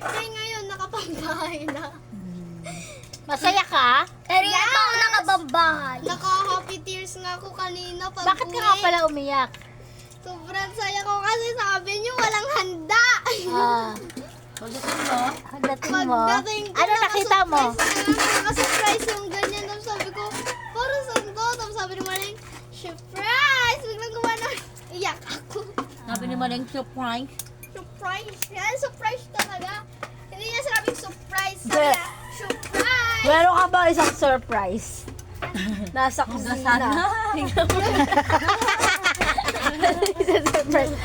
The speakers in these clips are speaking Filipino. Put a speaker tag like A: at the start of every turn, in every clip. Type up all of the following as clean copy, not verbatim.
A: Kaya ngayon, nakapambahay na.
B: Masaya ka?
C: Pero yan pa ako nakabambahay.
A: Naka-happy tears nga ako kanina pag
B: Bakit ka nga pala umiyak?
A: Sobrang saya ko kasi sabi niyo walang handa.
B: Ah,
D: Pagdating mo,
B: pagdating mo.
A: Pagdating ko,
B: Ano nakita mo?
A: Naka-surprise yung ganyan. Tapos sabi ko, para saan to? Tapos sabi ni Maling, surprise! Biglang gumana. Iyak ako.
D: sabi ni Maling surprise.
A: Surprise! Yan, surprise talaga. Hindi niya sinabing surprise. Sabi niya, surprise!
B: Meron ka ba isang surprise? Nasa kusina.
D: Sana.
B: Surprise.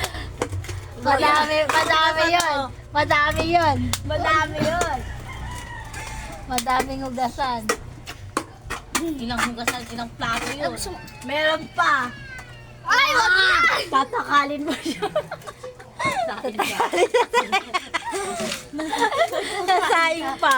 B: Madami yun. Madami yun. Madami yun. Madaming hugasan.
D: Ilang hugasan, ilang plato yun.
B: Meron pa.
A: Ay, wag na!
B: Tatakalin mo siya. Nasaing pa.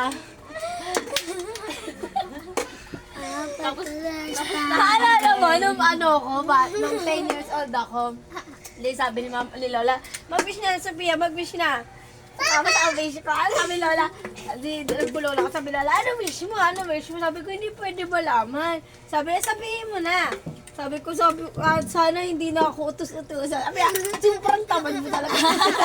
D: Tapos,
B: Naalala mo, nung ano ko, nung 10 years old ako, sabi ni Lola, mag-wish na, Sophia, mag-wish na. Tapos ang wish ko, sabi ni Lola, nagbulo ako, sabi ni Lola, ano wish mo? Ano wish mo? Sabi ko, hindi pwede malaman. Sabi niya, sabihin mo na. Sabi ko, sana hindi na ako utos-utosan. Sabi niya, sobrang tamad mo talaga.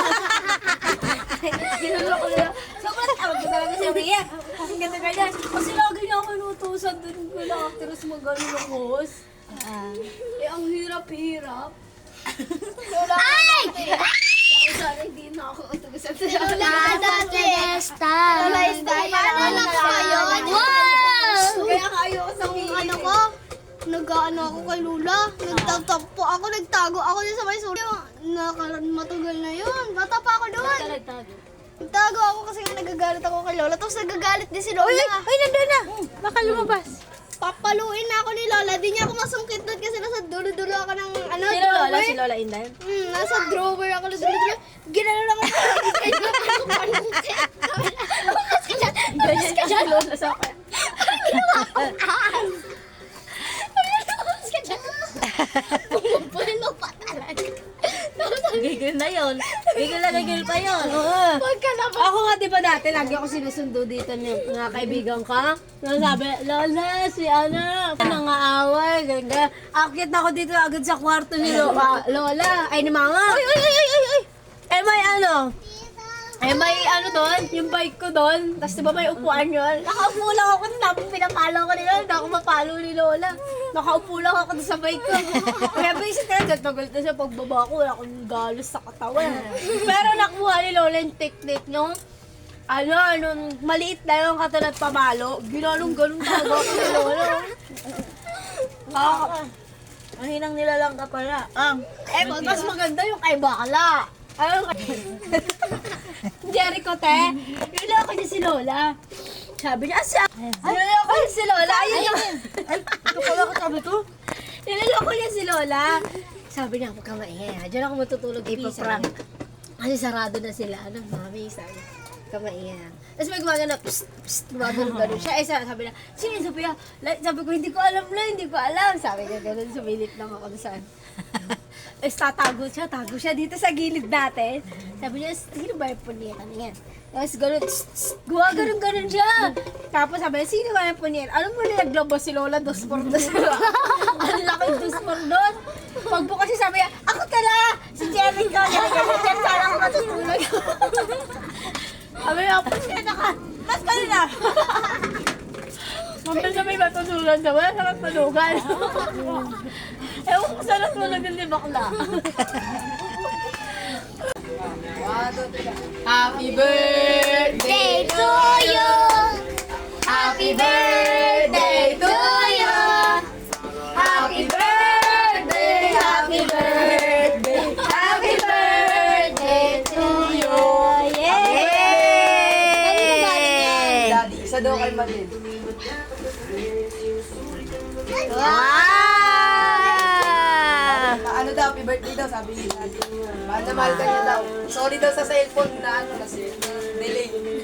B: Ginulo ko nila, sobrang tamad mo talaga, Sophia. Kasi ganda ganyan. Kasi lagi niya ako inutusan dun ko lang, actress mo gano'n ng host. Eh, ang hirap-hirap. Lola, ay! Sana hindi na ako utusan sa
A: Lola, dati.
C: Style.
A: Lola, style. Paano lang kayo?
B: Kaya kayo sa
A: Ano ko? Nag-ano ako kay Lula. Nagtatampo ako, nagtago ako dyan sa may sulo. Matagal na yun. Bata pa ako doon. Nagtago ako kasi nga nagagalit ako kay Lola. Tapos nagagalit din si Lola.
B: Ay, nandun na! Baka lumabas.
A: Papaluin na ako ni Lola. Di niya ako masungkit doon kasi nasa dulo-dulo ako ng ano,
B: Si Lola,
A: drawer.
B: si Lola Inday.
A: Nasa drawer ako na dulo-dulo. Ginano lang ako. Ginano ko panungkit.
B: Ganyan ka Lola sa akin.
A: Pumupulino pa talaga.
D: gigil na yun. Gigil pa yun.
A: Huwag ka na ba?
B: Ako nga, di ba dati, lagi ako sinusundo dito ng mga kaibigan ka. Sabi, Lola, si Ana, nangaaway, ganda. Akit ako dito agad sa kwarto ni Lola. Ay, ni Mama. Ay. Eh, may ano? Eh, may ano doon, yung bike ko doon. Tapos di ba may upuan yun? Nakaupo lang ako, tapos pinapalo ko ni Lola. Hindi ako mapalo ni Lola. Nakaupo lang ako doon sa bike ko. Kaya basic na, tagal na siya pagbaba ko. Wala akong galos sa katawan. Pero nakuha ni Lola yung technique nung nung maliit na yung katulad pamalo. Ginalong-galong talaga ako ni Lola.
D: Ang hinang nilalang ka pala.
B: Mas maganda yung kay Bakla. Ayun kay Jericho, te. Niloloko niya si Lola. Sabi niya, niloloko niya si Lola. Ayun yung...
D: Ito pala ka sabi ko.
B: Niloloko niya si Lola. Sabi niya, huwag ka maingay. Diyan ako matutulog. Ipaprank. Kasi sarado na sila. Ano, mami, sabi niya. Huwag ka maingay. Tapos may gumagano, psst, psst, gumagano siya. Sabi niya, sino yung Sophia? Sabi ko, hindi ko alam na, hindi ko alam. Sabi niya, ganun, sumilip lang ako saan. Tapos tago siya dito sa gilid natin. Sabi niya, sino ba yung punyetan niyan? Tapos gano'n, gano'n siya. Tapos sabi niya, sino ba yung punyetan? Alam mo na naglabas si Lola, 2x2. Ang laki 2x2. Pagbukas siya, sabi niya, ako tala! Si Jerry ka, ganyan, sana ako matutulog. Sabi niya, punyeta ka! Mas ka na! Mabal na may matutulog na, wala sa matulugan. Ewan ko saan natulog yung libakla. Happy birthday to you! Happy birthday to you! Happy birthday! Happy birthday! Happy birthday to you! Yay!
E: Daddy, isa daw kay Malin. Ano daw, happy birthday daw, sabi ni Daddy. Mahal na mahal ka niya daw. Sorry daw sa cellphone na kasi delay.